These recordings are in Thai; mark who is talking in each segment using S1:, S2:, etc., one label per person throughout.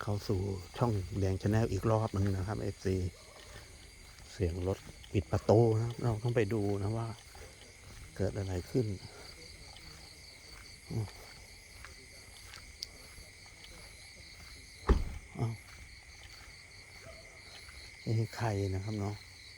S1: เข้าสู่ช่องแดงชาแนลอีกรอบหนึ่งนะครับ FC เสียงรถปิดประตูนะครับเราต้องไปดูนะว่าเกิดอะไรขึ้นนี่ใครนะครับเนาะ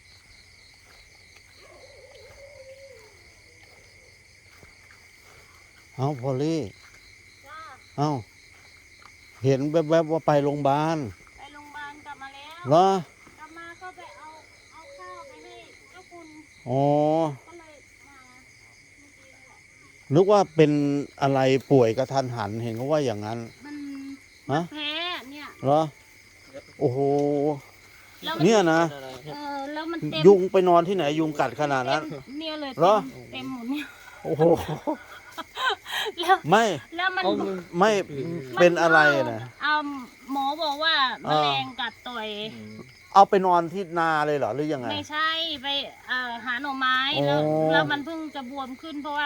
S1: เอาพอลลี่เอาเห็นแวบๆว่าไปโรงพยาบาล
S2: ไปโรงพยาบาลกลับมาแล้ว
S1: เหร
S2: กลับมาก็ไปเอาข้าวไปให้เจ้าคุณ
S1: อ๋อ
S2: ก็เลยมา
S1: นึกว่าเป็นอะไรป่วยกระทันหันเห็นเขาว่าอย่างนั้น
S2: มันแพ้เนี่ย
S1: เหรอโอ้โห
S2: แล้ว
S1: เนี่ยนะ
S2: แล้วมันเต็ม
S1: ยุงไปนอนที่ไหนยุงกัดขนาดนั้น
S2: เนี่ยเลย
S1: เหรอ
S2: เต็มหมดเนี่ย
S1: โอ้โห
S2: แล้ว
S1: ไม่
S2: แล้วมัน
S1: ไม่เป็นอะไรนะ
S2: หมอบอกว่าแมลงกัดต่อย
S1: เอาไปนอนที่นาเลยเหรอหรือยังไง
S2: ไม่ใช่ไปหาหน่อไม้แล้วมันเพิ่งจะบวมขึ้นเพราะว่า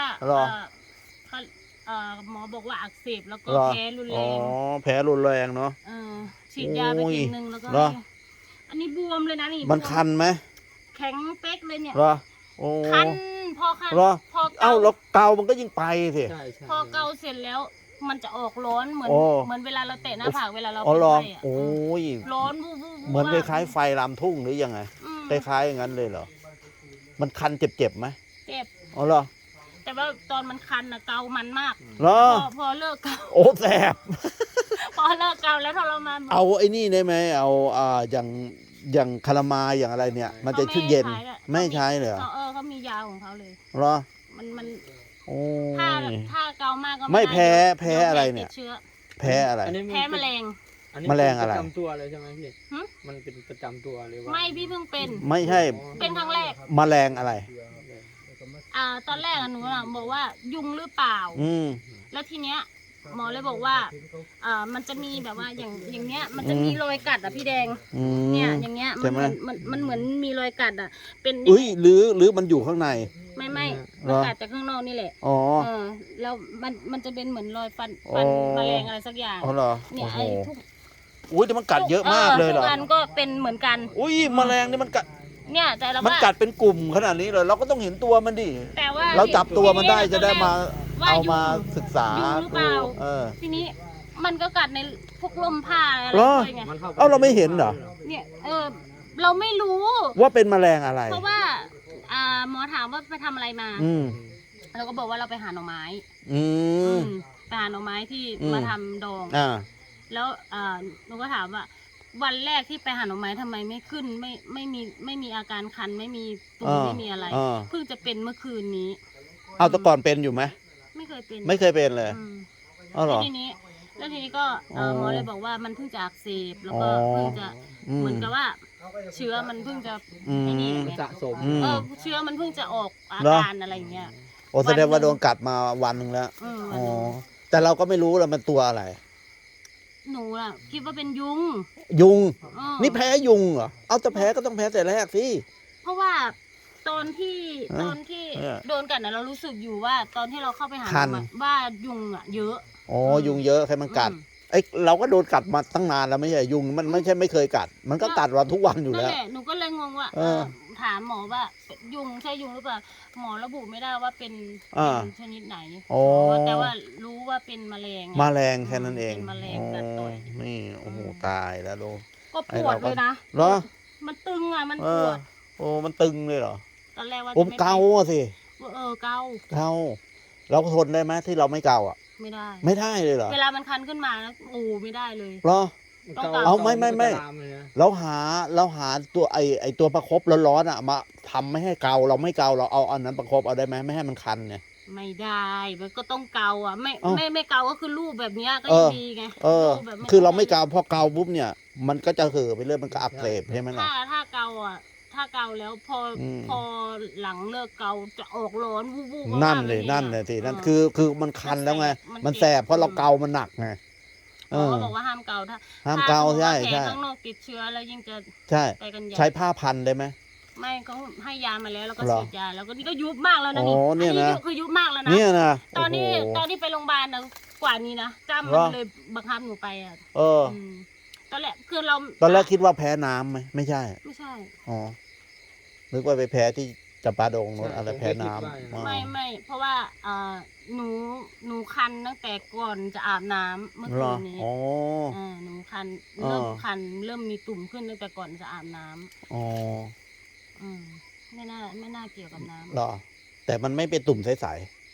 S2: หมอบอกว่าอักเสบแล้วก็แพ้รุนแรง
S1: อ๋อแพ้รุนแรงเนาะ
S2: ฉีดยาไปทีนึงแล้วก็อันนี้บวมเลยนะนี่
S1: มันคันไหม
S2: แข็งเป๊กเลยเนี่ย
S1: คัน
S2: พอคัน
S1: พอเอ้าแล้วเกามันก็ยิ่งไปสิ
S2: พอเกาเสร็จแล้วมันจะออกร้อนเหมือนเวลาเราเตะหน้าผากเวลาเรา
S1: เป็นไข้โอ้ย
S2: ร้อน
S1: เหมือนคล้ายๆไฟลามทุ่งหรือยังไงคล้ายๆอย่างนั้นเลยเหรอมันคันเจ็บไหม
S2: เจ็บ
S1: อ๋อเหรอ
S2: แต่ว่าตอนมันคันนะเกามันมาก
S1: เหรอ
S2: พอเลิกเกา
S1: โอ้แสบ
S2: พอเลิกเกาแล้วทรมาน
S1: เอาไอ้นี่ได้ไหมเอาอย่างคารามาอย่างอะไรเนี่ยมันจะชื่อเย็นไม่ใช้เลย
S2: เขามียาของเขาเลย
S1: เหรอ
S2: มัน
S1: โอ้
S2: ถ้าเกามากก็
S1: ไม่แพ้อะไรเนี่ยแพ้อะไร
S2: แพ้แมลง
S1: แมลงอะไร
S3: ประจำตัวเลยใช่ไหมพี่มันเป็นประจำตัวเลยว่า
S2: ไม่พี่เพิ่งเป็น
S1: ไม่ใช่
S2: เป็นครั้งแรก
S1: แมลงอะไร
S2: ตอนแรกหนูบอกว่ายุงหรือเปล่าแล้วทีเนี้ยหมอเลยบอกว่ามันจะมีแบบว่าอย่างเนี้ยมันจะมีรอยกัดพี่แดงเนี่ยอย่างเงี้ยมันเหมือนมีรอยกัดเป็น
S1: หรือมันอยู่ข้างใน
S2: ไม่มันกัดจากข้างนอกนี่แหละแล้วมันจะเป็นเหมือนรอยฟันแมลงอะไรสักอย่างเนี่ยไอ้ทุก
S1: อุ้ยแต่มันกัดเยอะมากเลยเหรอ
S2: ทุกอันก็เป็นเหมือนกัน
S1: อุ้ยแมลงนี่มันกัด
S2: เนี่ยแต่เรา
S1: มันกัดเป็นกลุ่มขนาดนี้เลยเราก็ต้องเห็นตัวมันดิ
S2: แต่ว่า
S1: เราจับตัวมันได้จะได้มาเอามาศึกษา
S2: หรือเปล่าทีนี้มันก็กัดในพวกลมผ้าอะไรด้วยไง
S1: เราไม่เห็นเหรอ
S2: เนี่ยเราไม่รู้
S1: ว่าเป็นแมลงอะไร
S2: เพราะว่าหมอถามว่าไปทำอะไรมาเราก็บอกว่าเราไปหาหน่อไม้ไปหาหน่อไม้ที่มาทำดองแล้วหนูก็ถามว่าวันแรกที่ไปหาหน่อไม้ทำไมไม่ขึ้นไม่มีอาการคันไม่มีตุ่มไม่มีอะไรเพิ่งจะเป็นเมื่อคืนนี้
S1: เอาแต่ก่อนเป็นอยู่ไหม
S2: ไม่เคย
S1: เป็นเลย
S2: แล้วทีนี้ก็หมอเลยบอกว่ามันเพิ่งจะอักเสบแล้วก็เพิ่งจะเหมือนกับว่าเชื้อมันเพิ่งจะนี่
S3: สะสม
S2: เชื้อมันเพิ่งจะออกอาการอะไรอย่างเงี้ย
S1: โอ้แสดงว่าโดนกัดมาวันหนึ่งแล้วแต่เราก็ไม่รู้แล้วมันตัวอะไร
S2: หนูคิดว่าเป็นยุง
S1: นี่แพ้ยุงเหรอเอาจะแพ้ก็ต้องแพ้แต่แรกสิ
S2: เพราะว่าตอนที่โดนกัดเรารู้สึกอยู่ว่าตอนที่เราเข้าไปหาว่ายุงเยอะ
S1: ยุงเยอะใครมันกัดเราก็โดนกัดมาตั้งนานแล้วไม่ใช่ยุงมันไม่ใช่ไม่เคยกัดมันก็กัดเราทุกวันอยู่แล้ว
S2: หนูก็เลยงงว่าถามหมอว่ายุงใช่ยุงหรือเปล่าหมอระบุไม่ได้ว่าเป็นชนิดไหนแต่ว่ารู้ว่าเป็นแมลง
S1: แค่นั้นเอง
S2: แมลงกัดต่อย
S1: นี่โอ้โหตายแล้วลูก
S2: ก็ปวดเลยนะ
S1: เหรอ
S2: มันตึงมันปวด
S1: มันตึงเลยเหรอ
S2: ตอนแรกว่า
S1: เกาสิ
S2: เกา
S1: เราทนได้ไหมที่เราไม่เกา
S2: ไม่
S1: ได้เลยเหรอ
S2: เวลามันคันขึ้นมาแล้วไม่ได้เลย
S1: เหรอเอาไม่เราหาตัวไอตัวประคบร้อนมาทำไม่ให้เกาเราไม่เกาเราเอาอันนั้นประคบเอาได้ไหมไม่ให้มันคันเนี่ย
S2: ไม่ได้มันก็ต้องเกาไม่เกาก็คือรูปแบบนี้ก็ยังดีไง
S1: คือเราไม่เกาพอเกาปุ๊บเนี่ยมันก็จะเห่อไปเรื่อยมันก็อักเสบใช่ไหมล่ะ
S2: ถ้าเกาแล้วพอหลังเลิกเกาจะออกร้อนวูบ
S1: นั่นเลยทีนั่นคือมันคันแล้วไงมันแสบเพราะเราเกามันหนักไง
S2: เขาบอกว่าห้ามเกา
S1: ห้ามเกาใช่
S2: ข้างนอกติดเชื้อแล้วยิ่งจะ
S1: ไปกันใช้ผ้าพันได้ไหม
S2: ไม่เขาให้ยามาแล้วก็ฉีดยาแล้วก็นี่ก็ยุบมากแล้วนะนี่คือยุบมากแล้วนะตอนนี้ไปโรงพยาบาลนะกว่านี้นะจ้ำมันเลยบังคับหนูไปตอนแรกคือเรา
S1: ตอนแรกคิดว่าแพ้น้ำไหมไม่ใช่
S2: ไม่ใช่
S1: อ๋อนึกว่าไปแพ้ที่จำปาดงโน้นอะไรแพ้น้ำ
S2: ไม่เพราะว่าหนูคันตั้งแต่ก่อนจะอาบน้ำเมื่อ
S1: เหร
S2: คื
S1: อน
S2: นี้
S1: อ๋อ
S2: หนูคัน
S1: อ๋อ
S2: เริ่มคันเริ่มมีตุ่มขึ้นตั้งแต่ก่อนจะอาบน้ำ
S1: อ๋อ
S2: ไม่น่าเกี่ยวกับน้ำ
S1: เหรอ แต่มันไม่เป็นตุ่มใส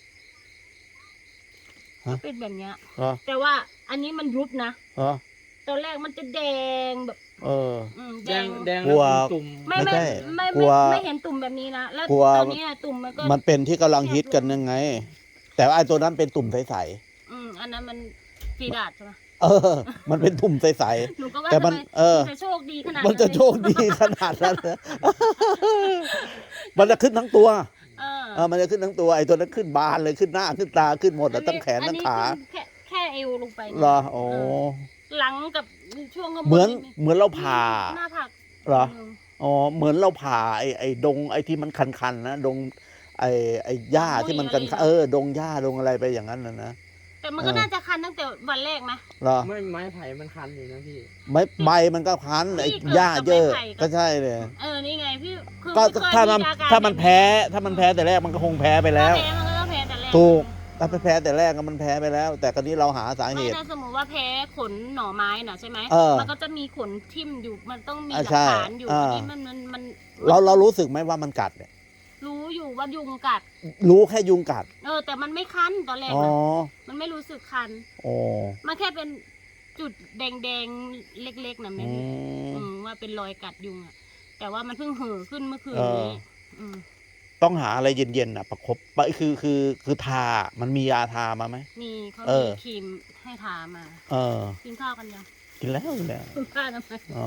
S2: เป็นแบบเนี้ย
S1: ๆเหรอ
S2: แต่ว่าอันนี้มันยุบนะ
S1: เหรอ
S2: ตอนแรกมันจะแดงแบบ
S1: เออ
S3: แดง
S2: แดง
S1: กลัว
S3: ตุ่ม
S2: ไม่
S1: ไม่ใช่
S2: ไม่
S1: กลัว
S2: ไม่เห็นตุ่มแบบนี้นะแล้ว
S1: กลัว
S2: ตอนนี้อะตุ่มมันก็
S1: มันเป็นที่กำลังฮิตกันยังไง แต่ว่าไอ้ตัวนั้นเป็นตุ่มใส
S2: อันนั้นมันฟีดาดใช่ไหม
S1: ๆเออ มันเป็นตุ่มใส
S2: หนูก็ว่า
S1: แต่มัน
S2: ทำไม
S1: เออ
S2: จะโชคดีขนาด
S1: ๆมันจะโชคดีขนาดนั้นเหรอ มันจะขึ้นทั้งตัว มันจะขึ้นทั้งตัวไอ้ตัวนั้นขึ้นบานเลยขึ้นหน้าขึ้นตาขึ้นหมดอะทั้งแขนทั้งขา
S2: อันนี้ขึ้นแค่เอวลงไปนะ
S1: เหรอโอ้
S2: หลังกับช่วงข้างบน
S1: เหมือนเราผ่า
S2: หน้าผาก
S1: เหรอ อ๋อเหมือนเราผ่าไอ้ดงไอ้ที่มันคันๆนะดงไอ้หญ้าที่มันคันดงหญ้าดงอะไรไปอย่างนั้นนะ
S2: แต่มันก็น่าจะคันตั้งแต่วันแรกไหม
S1: เหรอ
S3: ไม่ไม้ไผ่มันคันอยู่นะพี่
S1: ใบมันก็คันไอ้
S2: พี่
S1: หญ้าเยอะ
S2: เกิดกับไม้ไผ่
S1: ก็ใช่เลย
S2: นี่ไงพี่คือ
S1: ก็
S2: ไม่เคย
S1: ถ้ามัน
S2: อาการ
S1: ถ้ามันแพ้ถ้ามันแพ้แต่แรกมันก็คงแพ้ไปแล้ว
S2: ถ้าแพ้มันก็ต้องแพ้แต่แรก
S1: ถูกถ้าแพ้แต่แรกก็มันแพ้ไปแล้ว แต่คราวนี้เราหาสาเห
S2: ไม่
S1: ตุ
S2: ถ้าสมมติว่าแพ้ขนหน่อไม้น่ะใช่ไหม มันก็จะมีขนทิ่มอยู่มันต้องมีหลัก
S1: ใช่
S2: ฐานอยู่
S1: อ่า
S2: อันนี้มัน
S1: เรารู้สึกไหมว่ามันกัดเนี่ย
S2: รู้อยู่ว่ายุงกัด
S1: รู้แค่ยุงกัด
S2: แต่มันไม่คันตอนแรก
S1: อ๋อ
S2: นะมันไม่รู้สึกคัน
S1: โอ้
S2: มันแค่เป็นจุดแดงๆเล็กๆนะแม่
S1: อื
S2: พี่
S1: ม
S2: ว่าเป็นรอยกัดยุงอะแต่ว่ามันเพิ่งเห่อขึ้นเมื่อคืน
S1: เออ
S2: นี้ม
S1: ต้องหาอะไรเย็นๆอ่ะประคบไปคือทา มันมียาทามาไหม
S2: นี่เขา
S1: เอ
S2: มี
S1: อ
S2: ครีมให้ทามา
S1: เออ
S2: กินข้าวกันยัง
S1: กินแล้วกินแล้ว
S2: คุณป้าทำไม
S1: อ๋อ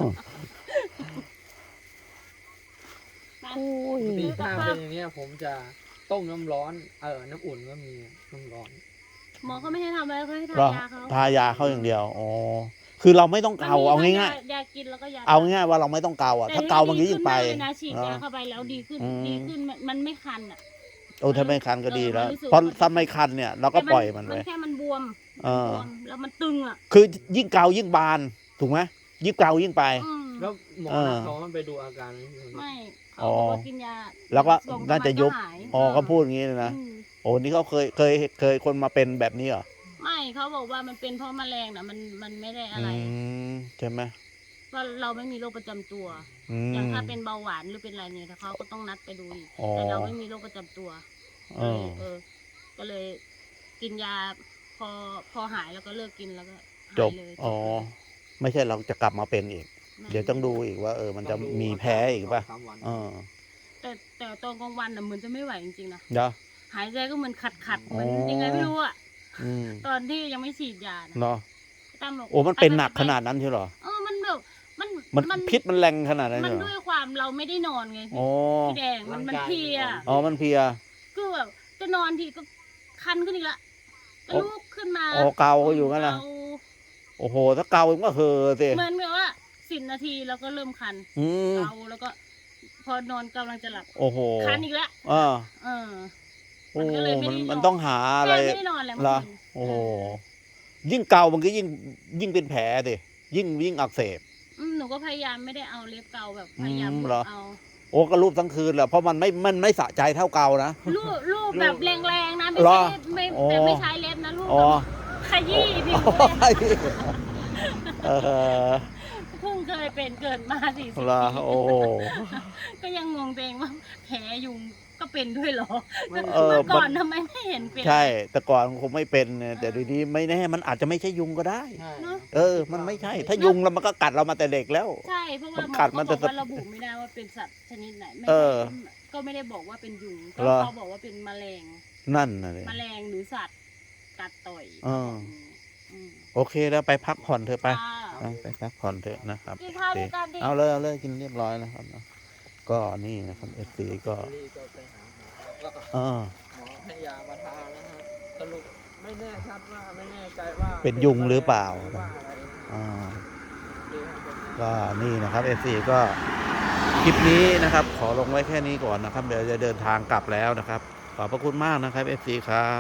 S2: มา
S3: พี่ถ้าเป็นอย่างเนี้ยผมจะต้มน้ำร้อน น้ำอุ่นก็มีน้ำร้อน
S2: หมอเขาไม่ให้ทำอะไรเขาให้ทา
S1: เหรอย
S2: าเขา
S1: ทายาเข้าอย่างเดียวอ๋อคือเราไม่ต้องเกาเอาง่าย
S2: ยากินแล้วก็ยา
S1: ๆเอาง่ายๆว่าเราไม่ต้องเกาอ่ะถ้าเกามันก็ยิ่งไป
S2: แต่ดีขึ้นมากเลยนะฉีดยาเข้าไปแล้วดีขึ้น
S1: อืม
S2: ดีขึ้นมันไม่คันอ่ะ
S1: โอ้ถ้าไม่คันก็ดีแล้ว
S2: รู้สึก
S1: เพราะถ้าไม่คันเนี่ยเราก็ปล่อยมัน
S2: มั
S1: ไป
S2: นแค่มันบวม
S1: เออ
S2: บวมแล้วมันตึงอ่ะ
S1: คือยิ่งเกายิ่งบานถูกไหมยิ่งเกายิ่งไป
S3: แล้วหมอ
S1: เออ
S3: เขามันไปดูอาการไหมพี่
S2: ไม่เขาบอกว่ากินยา
S1: แล้วก็
S2: สอง
S1: น่าจะยุบ
S2: วันหาย
S1: อ๋อเขาพูดอย่างนี้เลยนะ
S2: อืม
S1: โอ้นี่เขาเคยคนมาเป็นแบบนี้เหรอ
S2: ไม่เขาบอกว่ามันเป็นเพราะแมลงนะมันไม่ได้อะไร
S1: ใช่ไหม
S2: ว่าเราไม่มีโรคประจำตัว
S1: อื
S2: อย่าง
S1: ม
S2: ถ้าเป็นเบาหวานหรือเป็นอะไรเนี่ยถ้าเขาก็ต้องนัดไปดูอีก
S1: อ๋อ
S2: แต่เราไม่มีโรคประจำตัว
S1: เออ
S2: ก็เลยกินยาพอหายแล้วก็เลิกกินแล้วก็หาย
S1: จบ
S2: เลย
S1: อ๋อไม่ใช่เราจะกลับมาเป็นอีก
S2: ไม่
S1: เดี๋ยวต้องดูอีกว่ามันจะมีแพ้อีกป่ะ
S3: สามวัน
S1: เออ
S2: แต่ตอนกลางวันน่ะเหมือนจะไม่ไหวจริงๆนะ
S1: เดี๋ยว
S2: หายใจก็เหมือนขัดเหมือน
S1: อ๋อ
S2: ยังไงไม่รู้อะ
S1: อืม
S2: ตอนที่ยังไม่ฉีดยานะ
S1: เนาะ
S2: ตั้มบอก
S1: โอ้มันเป็นหนักขนาดนั้นใช่เหรอ
S2: มันแบบมัน
S1: มันพิษมันแรงขนาดนั้น
S2: มัน
S1: ใช่เหร
S2: ด้
S1: อ
S2: วยความเราไม่ได้นอนไง
S1: อ๋อ
S2: พี่แดงมันเพลีย
S1: อ๋อมันเพลีย
S2: คือแบบจะนอนทีก็คันขึ้นอีกละก็ลุกขึ้นมา
S1: อ๋อเกาอยู่งั้นน่ะ
S2: เกา
S1: โอ้โหถ้าเกามันก็เห่อสิ
S2: เหมือนแบบว่า10 นาทีแล้วก็เริ่มคัน
S1: อืม
S2: เกาแล้วก็ พอนอนกำลังจะหลับ
S1: โอ้โห
S2: คันอีกแล้ว
S1: อ่า
S2: เออ
S1: โอ้
S2: มันก็เลยไม่ได้นอน
S1: มันต้องหาอะไร
S2: แม่ไม่ได้นอนแล้ว
S1: เหรอ
S2: เมื่อคืน
S1: โอ้โหยิ่งเกามันก็ยิ่งเป็นแผลดิยิ่งอักเสบ
S2: หนูก็พยายามไม่ได้เอาเล็บเกาแบบพยายาม
S1: เหรอ
S2: เอา
S1: โอ้ก็รูปทั้งคืนแหละเพราะมันไม่สะใจเท่าเกานะ
S2: ลูบแบบแรงๆนะไม่
S1: เหร
S2: ใช่
S1: อ
S2: ไม่
S1: อ๋อ
S2: แต่ไม่ใช้เล็บนะลูบ
S1: อ๋อ
S2: แบบขยี้ผิว
S1: อ๋อ
S2: เลย
S1: เออ
S2: เพิ่งเคยเป็นเกิดมา40
S1: เหรอ
S2: ปี
S1: โอ้โห
S2: ก็ยังงงตัวเองว่าแผลยุงก็เป็นด้วยเหรอ
S3: ไม่
S1: เออ
S2: เมื่อก่อนทำไมไม่เห็นเป็น
S1: ใช่ แต่ก่อนคงไม่เป็นเนี่ยแต่ทีนี้ไม่แน่มันอาจจะไม่ใช่ยุงก็ได้
S3: ใช่
S1: มันไม่ใช่ ถ้ายุงแล้วมันก็กัดเรามาแต่เด็กแล้ว
S2: ใช่เพราะว่าหมอ
S1: กัด
S2: ก็
S1: มัน
S2: บ
S1: แต่
S2: อกว่าระบุไม่ได้ว่าเป็นสัตว์ชนิดไหนไม่
S1: เอ
S2: ได้
S1: อ
S2: ก็ไม่ได้บอกว่าเป็นยุงก็
S1: เหรอ
S2: เขาบอกว่าเป็นแมลง
S1: นั่นนะเลย
S2: แมลงหรือสัตว์กัดต่อย
S1: เออ
S2: ม
S1: โอเคแล้วไปพักผ่อนเถอะไป
S2: ค่ะ
S1: ไปพักผ่อนเถอะนะครับ
S2: กินข้าวด้วยกันดิ
S1: เอาเลยกินเรียบร้อยนะครับเนอะก็นี่นะครับเอฟซีก็
S3: นี่ก็ไปหาหมอแล้วก็
S1: เออ
S3: หมอให้ยามาทานนะฮะสรุปไม่แน่ชัดว่าไม่แน่ใจว่า
S1: เป็นยุงหรือเปล่า
S3: หรือว่าอะไรนะ
S1: อ่า
S3: เดี๋ยวผมจะ
S1: ก็นี่นะครับเอฟซีก็คลิปนี้นะครับ ขอลงไว้แค่นี้ก่อนนะครับ เดี๋ยวจะเดินทางกลับแล้วนะครับ ขอบพระคุณมากนะครับเอฟซีครับ